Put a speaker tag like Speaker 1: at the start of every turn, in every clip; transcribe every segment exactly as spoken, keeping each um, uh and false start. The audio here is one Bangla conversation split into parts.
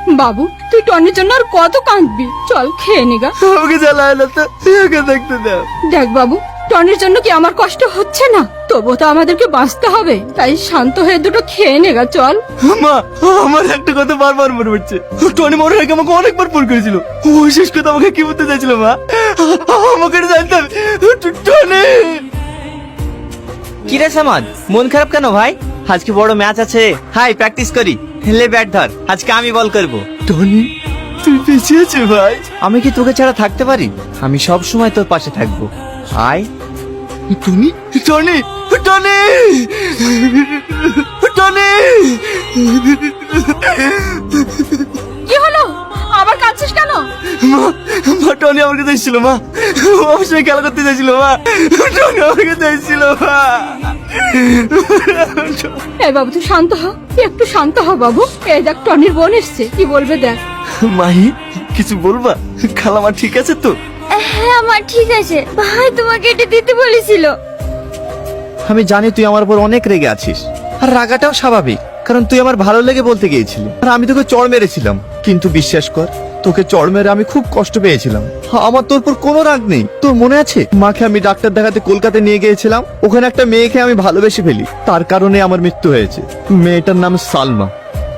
Speaker 1: বাবু তুই টনির জন্য আর কত কাঁদবি, চল খেয়ে নিগা।
Speaker 2: আমাকে জ্বালায় না তো, ওকে দেখতে দাও।
Speaker 1: দেখ বাবু, টনির জন্য কি আমার কষ্ট হচ্ছে না? তবু তো আমাদেরকে বাঁচতে হবে, তাই শান্ত হয়ে দুটো খেয়ে নেগা, চল।
Speaker 2: মা, আমার একটা কথা বারবার মনে পড়ছে। টনি মরার আগে আমাকে অনেকবার ফোন করেছিল। ও শেষ কথা আমাকে কি বলতে চাইছিল মা? আমাকে জানতাম টনি।
Speaker 3: কি রে সামাদ, মন খারাপ কেন ভাই? আজকে বড় ম্যাচ আছে, হাই প্র্যাকটিস করি। লে ব্যাট ধর, আজকে আমি বল করব।
Speaker 2: টনি তুই পিছিয়ে আছে ভাই।
Speaker 3: আমি কি তোকে ছাড়া থাকতে পারি? আমি সব সময় তোর পাশে থাকবো। আয়।
Speaker 2: Tony Tony Tony Tony.
Speaker 1: কি হলো, আবার কাঁদছিস কেন?
Speaker 2: মা, মা টনি আমার কাছে এসেছিল মা। ও আমার সঙ্গে খেলা করতে চাইছিল মা। টনি আমার কাছে এসেছিল মা।
Speaker 1: এই বাবু তুই শান্ত হ, একটু শান্ত হ বাবু। এই দেখ টনির বোন এসছে, কি বলবে দেখ।
Speaker 2: মাহি কিছু বলবা? খালামা ঠিক আছে তো?
Speaker 4: হ্যাঁ আমার ঠিক আছে, ভাই তোমাকে এটা দিতে বলেছিল।
Speaker 3: আমি জানি তুই আমার উপর অনেক রেগে আছিস, আর রাগাটাও স্বাভাবিক, কারণ তুই আমার ভালো লেগে বলতে গিয়েছিলি, আর আমি তোকে চড় মেরেছিলাম। কিন্তু বিশ্বাস কর, তোকে চড় মেরে আমি খুব কষ্ট পেয়েছিলাম। আমার তোর উপর কোনো রাগ নেই। তোর মনে আছে মাকে আমি ডাক্তার দেখাতে কলকাতা নিয়ে গিয়েছিলাম? ওখানে একটা মেয়েকে আমি ভালোবেসে ফেলি, তার কারণে আমার মৃত্যু হয়েছে। মেয়েটার নাম সালমা।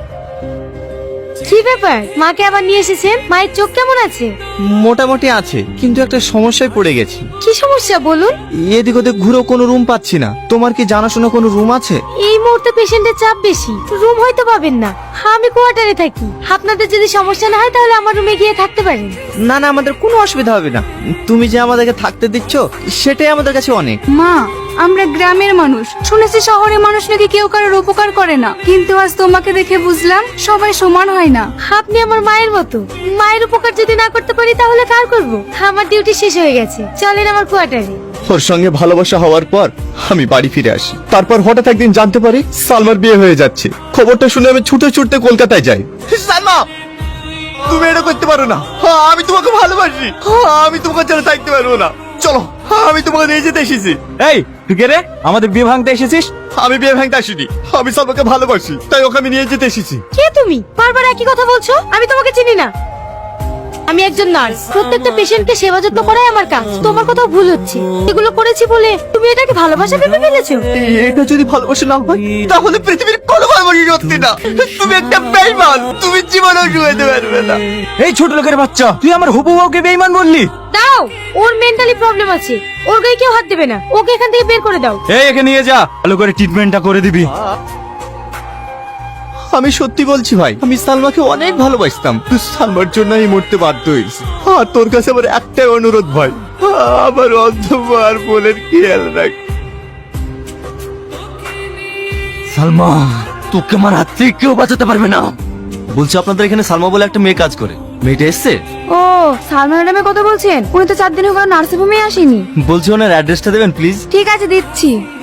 Speaker 4: কি ব্যাপার, মাকে আবার নিয়ে এসেছেন? মায়ের চোখ কেমন আছে?
Speaker 3: মোটামুটি আছে, কিন্তু একটা সমস্যায় পড়ে গেছি।
Speaker 4: কি সমস্যা বলুন?
Speaker 3: এদিক ওদিক ঘুরেও কোনো রুম পাচ্ছি না। তোমার কি জানাশোনা কোনো রুম আছে?
Speaker 4: এই মুহূর্তে পেশেন্টের চাপ বেশি, রুম হয়তো পাবেন না। আমি কোয়ার্টারে থাকি, আপনাদের যদি সমস্যা না হয় তাহলে আমার রুমে গিয়ে থাকতে পারেন।
Speaker 3: না না, আমাদের কোনো অসুবিধা হবে না। তুমি যে আমাদেরকে থাকতে দিচ্ছ সেটাই আমাদের কাছে অনেক।
Speaker 1: মা, আমরা গ্রামের মানুষ, শুনেছি শহরের মানুষ নাকি কেউ কারোর উপকার করে না, কিন্তু আজ তোমাকে দেখে বুঝলাম সবাই সমান হয় না।
Speaker 4: আপনি আমার মায়ের মতো, মায়ের উপকার যদি না করতে পারি তাহলে কার করব? আমার ডিউটি শেষ হয়ে গেছে, চলেন আমার কোয়ার্টারে।
Speaker 2: ওর সঙ্গে ভালোবাসা হওয়ার পর আমি বাড়ি ফিরে আসি। তারপর হঠাৎ একদিন জানতে পারি সালমার বিয়ে হয়ে যাচ্ছে। খবরটা শুনে আমি ছুটে ছুটতে কলকাতায় যাই। সালমা, তুমি এটা করতে পারো না। হ্যাঁ, আমি তোমাকে ভালোবাসি। হ্যাঁ, আমি তোমাকে ছাড়া থাকতে পারবো না। চলো, হ্যাঁ, আমি তোমাকে নিয়ে যেতে এসেছি।
Speaker 3: এই তুই কে রে, আমাদের বিয়ে ভাঙতে এসেছিস?
Speaker 2: আমি বিয়ে ভাঙতে আসিনি, আমি সালমাকে ভালোবাসি, তাই ওকে আমি নিয়ে যেতে এসেছি।
Speaker 4: কে তুমি? বারবার একই কথা বলছো, আমি তোমাকে চিনি না। আমি একজন নার্স, প্রত্যেকটা পেশেন্টকে সেবা যত্ন করাই আমার কাজ। তোমার কথা ভুল হচ্ছে, এগুলো করেছি বলে তুমি এটাকে ভালোবাসা ভেবে ফেলেছো।
Speaker 2: এটা যদি ভালোবাসা না হয় তাহলে পৃথিবীর কোনো ভালোবাসি সত্যি না। তুমি একটা বেঈমান, তুমি জীবনেও শুয়েতে পারবে না।
Speaker 3: এই ছোট লোকের বাচ্চা, তুই আমার হবু বউকে বেঈমান বললি?
Speaker 4: দাও, ওর মেন্টালি প্রবলেম আছে, ওর গায়ে কেউ হাত দেবে না। ওকে এখান থেকে বের করে দাও।
Speaker 3: এই একে নিয়ে যা, ভালো করে ট্রিটমেন্টটা করে দিবি।
Speaker 2: আমি সত্যি বলছি ভাই, আমি সালমাকে অনেক ভালোবাসতাম। সালমার জন্য আমি মরতে বাধ্য হয়েছি। আর তোর কাছে আমার একটাই অনুরোধ ভাই, আমার অন্ধকার বোনের খেয়াল রাখ।
Speaker 3: সালমা, তোকে আমার হাত থেকে কেউ বাঁচাতে পারবে না।
Speaker 2: বলছি আপনাদের এখানে সালমা বলে একটা মেয়ে কাজ করে, মেয়েটা এসছে?
Speaker 1: ও সালমা ম্যাডামের কথা বলছেন? উনি তো চার দিনের কোনো নার্সিং হোমে আসেনি।
Speaker 2: বলছি ওনার অ্যাড্রেসটা দেবেন প্লিজ।
Speaker 1: ঠিক আছে দিচ্ছি।